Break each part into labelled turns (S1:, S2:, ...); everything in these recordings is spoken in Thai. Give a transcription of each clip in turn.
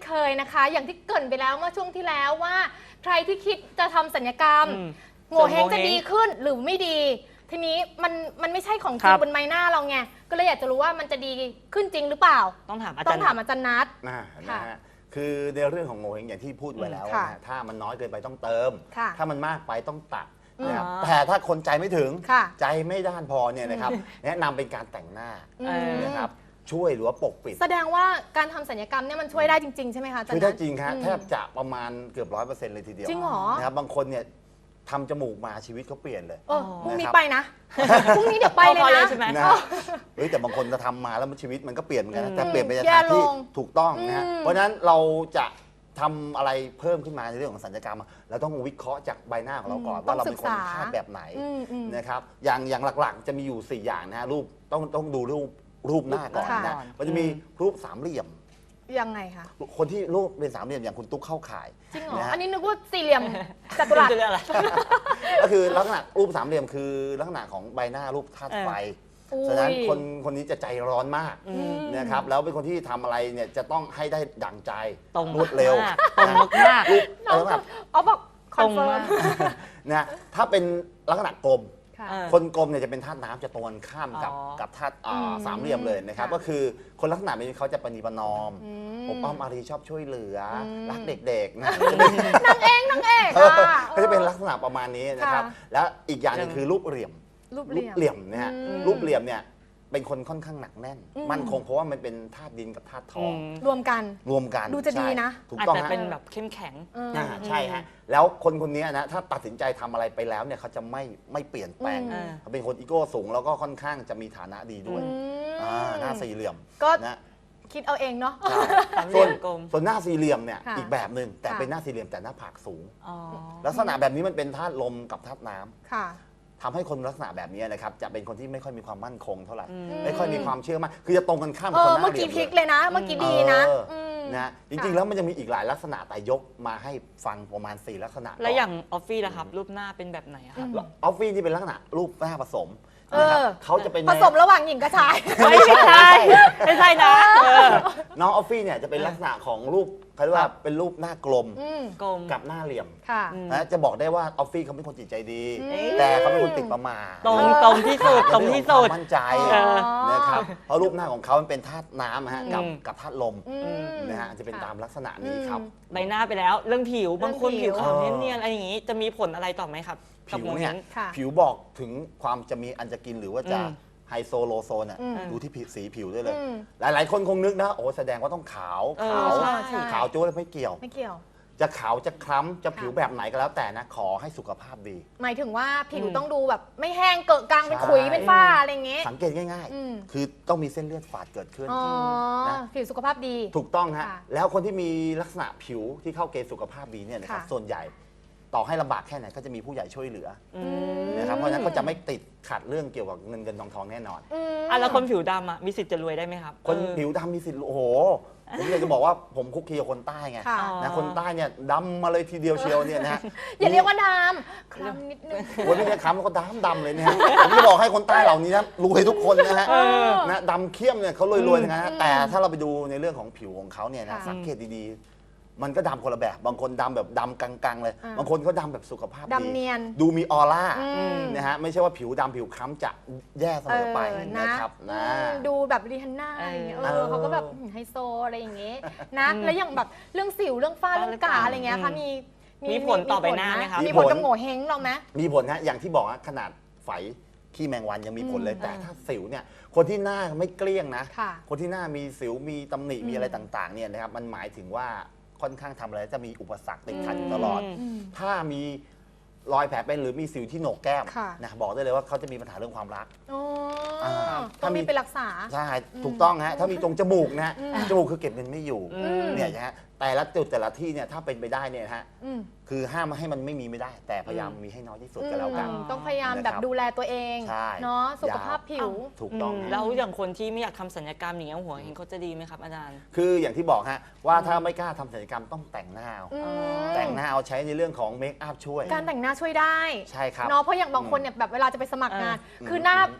S1: เคยนะคะ อย่างที่เกริ่นไปแล้วเมื่อช่วงที่แล้วว่าใครที่คิดจะทำศัลยกรรมโง่เฮงจะดีขึ้นหรือไม่ดีทีนี้มันไม่ใช่ของจริงบนใบหน้าเราไงก็เลยอยากจะรู้ว่ามันจะดีขึ้นจริงหรือเปล่า
S2: ต้องถามอาจารย์
S1: นัท
S3: นะฮะคือในเรื่องของโง่เฮงอย่างที่พูดไว้แล้วนะถ้ามันน้อยเกินไปต้องเติมถ้ามันมากไปต้องตัดนะครับแต่ถ้าคนใจไม่ถึงใจไม่ด้านพอเนี่ยนะครับแนะนำเป็นการแต่งหน้านะครับช่วยหรือว่าปกปิด
S1: แสดงว่าการทำศัลยกรรมเนี่ยมันช่วยได้จริงๆใช่ไหมคะ
S3: ช่วยได้จริงครับแทบจะประมาณเกือบ100%เลยทีเดียว
S1: จริงเหรอ
S3: นะครับบางคนเนี่ยทำจมูกมาชีวิตเขาเปลี่ยนเลย
S1: พรุ่งนี้ไปนะพรุ่งนี้เดี๋ยวไปเลยนะ
S2: ใช่ไหม
S3: แต่บางคนจะทำมาแล้วชีวิตมันก็เปลี่ยนเหมือนกันแต่เปลี่ยนไปในทางที่ถูกต้องนะฮะเพราะฉะนั้นเราจะทำอะไรเพิ่มขึ้นมาในเรื่องของศัลยกรรมเราต้องวิเคราะห์จากใบหน้าของเราก่อนว่าเราเป็นคนคาดแบบไหนนะครับอย่างหลักๆจะมีอยู่4อย่างนะฮะรูปต้องดูรูปหน้าก่อนนะมันจะมีรูปสามเหลี่ยม
S1: ยังไงคะ
S3: คนที่รูปเป็นสามเหลี่ยมอย่างคุณตุ๊กเข้าข่าย
S1: จริงเหรออันนี้นึกว่าสี่เหลี่ยมจัตุรัส
S3: ก็คือลักษณะรูปสามเหลี่ยมคือลักษณะของใบหน้ารูปธาตุไฟฉะนั้นคนนี้จะใจร้อนมากนะครับแล้วเป็นคนที่ทำอะไรเนี่ยจะต้องให้ได้ดั่งใจรวดเร็ว
S2: ตรงมาก
S1: เอาแบบคอนเฟิร์ม
S3: นะถ้าเป็นลักษณะกลมคนกลมเนี่ยจะเป็นธาตุน้ำจะตรงกันข้ามกับธาตุสามเหลี่ยมเลยนะครับก็คือคนลักษณะนี้เขาจะปณีประนอมปกป้องอารีชอบช่วยเหลือรักเด็กๆนะ
S1: นางเอก
S3: ก็จะเป็นลักษณะประมาณนี้นะครับแล้วอีกอย่างนึงคือรูปเหลี่ยมเนี่ยรูปเหลี่ยมเนี่ยเป็นคนค่อนข้างหนักแน่นมั่นคงเพราะว่ามันเป็นธาตุดินกับธาตุทอง
S1: รวมกันดูจะดีนะ
S3: ถูกต้อง
S2: ฮะเป็นแบบเข้มแข็ง
S3: ใช่ฮะแล้วคนนี้นะถ้าตัดสินใจทำอะไรไปแล้วเนี่ยเขาจะไม่เปลี่ยนแปลงเขาเป็นคนอีโก้สูงแล้วก็ค่อนข้างจะมีฐานะดีด้วยหน้าสี่เหลี่ยม
S1: ก็คิดเอาเองเนาะ
S3: ส่วนหน้าสี่เหลี่ยมเนี่ยอีกแบบหนึ่งแต่เป็นหน้าสี่เหลี่ยมแต่หน้าผากสูงลักษณะแบบนี้มันเป็นธาตุลมกับธาตุน้ำทำให้คนลักษณะแบบนี้นะครับจะเป็นคนที่ไม่ค่อยมีความมั่นคงเท่าไหร่ไม่ค่อยมีความเชื่อมั่นคือจะตรงกันข้ามคนหน้าเหลี่ยม
S1: เมื่อกี้พลิกเลยนะเมื่อกี้ดีนะ
S3: จริงๆแล้วมันจะมีอีกหลายลักษณะแต่ยกมาให้ฟังประมาณ4ลักษณะ
S2: แล้วอย่างออฟฟี่ล่ะครับรูปหน้าเป็นแบบไหนครับ
S3: ออฟฟี่ที่เป็นลักษณะรูปหน้าผสมเขาจะเป็น
S1: ผสมระหว่างหญิงกับชาย
S2: ไม่ใช่นะ
S3: น้องออฟฟี่เนี่ยจะเป็นลักษณะของรูปเขาเรียกว่าเป็นรูปหน้ากลมกับหน้าเหลี่ยมนะจะบอกได้ว่าออฟฟี่เขาเป็นคนจิตใจดีแต่เขาเป็นคนติดประมาท
S2: ตรงที่สุด
S3: มั่นใจนะครับเพราะรูปหน้าของเขามันเป็นธาตุน้ำนะฮะกับธาตุลมนะฮะจะเป็นตามลักษณะนี้ครับ
S2: ใบหน้าไปแล้วเรื่องผิวบางคนผิวขาวเนียนอะไรอย่างนี้จะมีผลอะไรต่อไหมครับ
S3: ผิวเนี่ยผิวบอกถึงความจะมีอันจะกินหรือว่าจะไฮโซโลโซนดูที่สีผิวด้วยเลยหลายๆคนคงนึกนะโอ้แสดงว่าต้องขาวจ้วไม่เกี่ยวจะขาวจะคล้ำจะผิวแบบไหนก็แล้วแต่นะขอให้สุขภาพดี
S1: หมายถึงว่าผิวต้องดูแบบไม่แห้งเกอะกางเป็นขุยเป็นฝ้าอะไรเงี้ย
S3: สังเกตง่ายๆคือต้องมีเส้นเลือดฝาดเกิดขึ้น
S1: นะผิวสุขภาพดี
S3: ถูกต้องฮะแล้วคนที่มีลักษณะผิวที่เข้าเกณฑ์สุขภาพดีเนี่ยนะครับส่วนใหญ่ต่อให้ลำบากแค่ไหนก็จะมีผู้ใหญ่ช่วยเหลือนะครับเพราะฉะนั้นก็จะไม่ติดขัดเรื่องเกี่ยวกับเงินทองแน่นอน
S2: แล้วคนผิวดำมีสิทธิ์จะรวยได้ไหมครับ
S3: คนผิวดำมีสิทธิ์โอ้โหผมอยากจะบอกว่าผมคุกคีกับคนใต้ไงนะคนใต้เนี่ยดำมาเลยทีเดียวเชียวเนี่ยนะ
S1: อย่าเรียกว่าดำคล้ำนิดนึง
S3: โอ้ยไม่ใช่คล้ำก็ดำเลยเนี่ยผมจะบอกให้คนใต้เหล่านี้นะรวยทุกคนนะฮะนะดำเข้มเนี่ยเขารวยๆนะฮะแต่ถ้าเราไปดูในเรื่องของผิวของเขาเนี่ยนะสังเกตดีๆมันก็ดำคนละแบบบางคนดำแบบดำกังๆเลยบางคนก็ดำแบบสุขภาพดี
S1: ดำเนียน
S3: ดูมีออร่านะฮะไม่ใช่ว่าผิวดำผิวคล้ำจะแย่เสมอไปนะครับนะ
S1: ดูแบบรีฮันน่าเขาก็แบบไฮโซอะไรอย่างเงี้ยนะแล้วอย่างแบบเรื่องสิวเรื่องฝ้าเรื่องกาอะไรเงี้ยค่ะ
S2: มีผลต่อใบหน้าไหมครับ
S1: มีผลกับโง่เฮงเราไหม
S3: มีผลฮะอย่างที่บอกขนาดไฝขี้แมงวันยังมีผลเลยแต่ถ้าสิวเนี่ยคนที่หน้าไม่เกลี้ยงนะคนที่หน้ามีสิวมีตำหนิมีอะไรต่างๆเนี่ยนะครับมันหมายถึงว่าค่อนข้างทำอะไรจะมีอุปสรรคติดขัดอยู่ตลอดถ้ามีรอยแผลเป็นหรือมีสิวที่โหนกแก้มนะบอกได้เลยว่าเขาจะมีปัญหาเรื่องความรัก
S1: ถ้ามีไปรักษา
S3: ใช่ถูกต้องฮะถ้ามีตรงจมูกนะจมูกคือเก็บเงินไม่อยู่เนี่ยฮะแต่ละจุดแต่ละที่เนี่ยถ้าเป็นไปได้เนี่ยฮะคือห้ามให้มันไม่มีไม่ได้แต่พยายามมีให้น้อยที่สุดก็แล้วกัน
S1: ต้องพยายามแบบดูแลตัวเองเนาะสุขภาพผิว
S3: ถูกต้อง
S2: แล้วอย่างคนที่ไม่อยากทำศัลยกรรมอย่างเงี้ยหัวเห็นเขาจะดีไหมครับอาจารย์
S3: คืออย่างที่บอกฮะว่าถ้าไม่กล้าทำศัลยกรรมต้องแต่งหน้าแต่งหน้าเอาใช้ในเรื่องของเมคอัพช่วย
S1: การแต่งหน้าช่วยได้
S3: ใช่ครับ
S1: เนาะเพราะอย่างบางคนเนี่ยแบบเวลาจะไปสมัครงานคือหน้า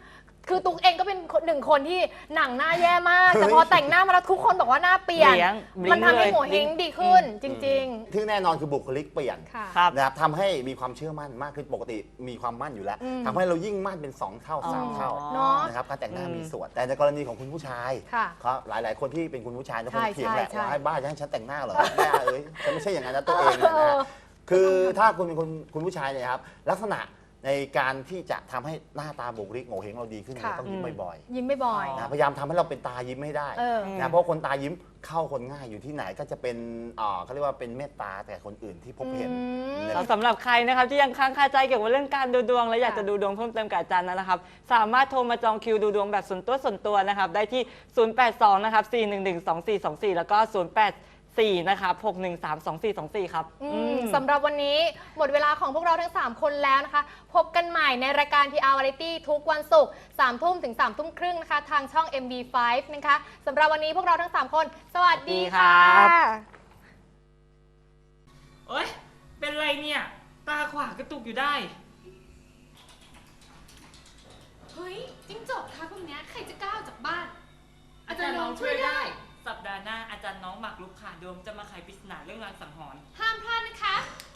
S1: คือตุ๊กเองก็เป็นหนึ่งคนที่หนังหน้าแย่มาก แต่พอแต่งหน้ามาแล้วทุกคนบอกว่าหน้าเปลี่ยน มันทำให้โงเห้งดีขึ้นจริง
S3: ที่แน่นอนคือบุคลิกเปลี่ยน
S1: ๆ ค่ะ
S2: ครับ
S3: นะครับทำให้มีความเชื่อมั่นมากขึ้นปกติมีความมั่นอยู่แล้ว
S1: อืม
S3: ทำให้เรายิ่งมั่นเป็น 2 เท่า 3 เท่า
S1: เนาะ
S3: นะครับการแต่งหน้า
S2: อืม
S3: มีส่วน แต่ในกรณีของคุณผู้ชาย
S1: ค่ะ
S3: ครับหลายๆ คนที่เป็นคุณผู้ชายจะคง
S1: ใช่
S3: เถียงแหละ
S1: ใช่
S3: ว่าให้บ้าจะให้ฉันแต่งหน้าเหรอแม่เอ้ยฉันไม่ใช่อย่างนั้นนะตัวเองเนี่ยนะฮะคือถ้าคุณเป็นคุณผู้ชายเนี่ยครับลักษณะในการที่จะทำให้หน้าตาบุคลิกโงเห้งเราดีขึ้น
S1: ค่ะ
S3: เราต้องยิ้มบ่อย
S1: ยิ้มไม่บ่อย
S3: ๆนะพยายามทำให้เราเป็นตายิ้มให้ได้
S1: เออ
S3: นะเพราะคนตายิ้มเข้าคนง่ายอยู่ที่ไหนก็จะเป็นเขาเรียกว่าเป็นเมตตาแต่คนอื่นที่พบเห็น
S2: แล้วสำหรับใครนะครับที่ยังค้างคาใจเกี่ยวกับเรื่องการดูดวงและอยากจะดูดวงเพิ่มเติมกับอาจารย์นะครับสามารถโทรมาจองคิวดูดวงแบบส่วนตัวนะครับได้ที่ 082 นะครับ 4112424 แล้วก็ 084 นะครับ 6132424 ครับ
S1: สำหรับวันนี้หมดเวลาของพวกเราทั้ง 3 คนแล้วนะคะ พบกันใหม่ในรายการ PR Variety ทุกวันศุกร์ 3 ทุ่มถึง 3 ทุ่มครึ่งนะคะ ทางช่อง MB5 นะคะสำหรับวันนี้พวกเราทั้ง 3 คน สวัสดีค่ะ
S2: โอ๊ย เป็นไรเนี่ย ตาขวากระตุกอยู่ได้
S1: เฮ้ยจิ้งจกคะพวกนี้ใครจะกล้าออกจากบ้าน
S2: อาจารย์น้องช่วยได้ สัปดาห์หน้าอาจารย์น้องหมักลุกค่ะดวงจะมาไขปริศนาเรื่องรางสังหรณ์
S1: ห้ามพลาดนะคะ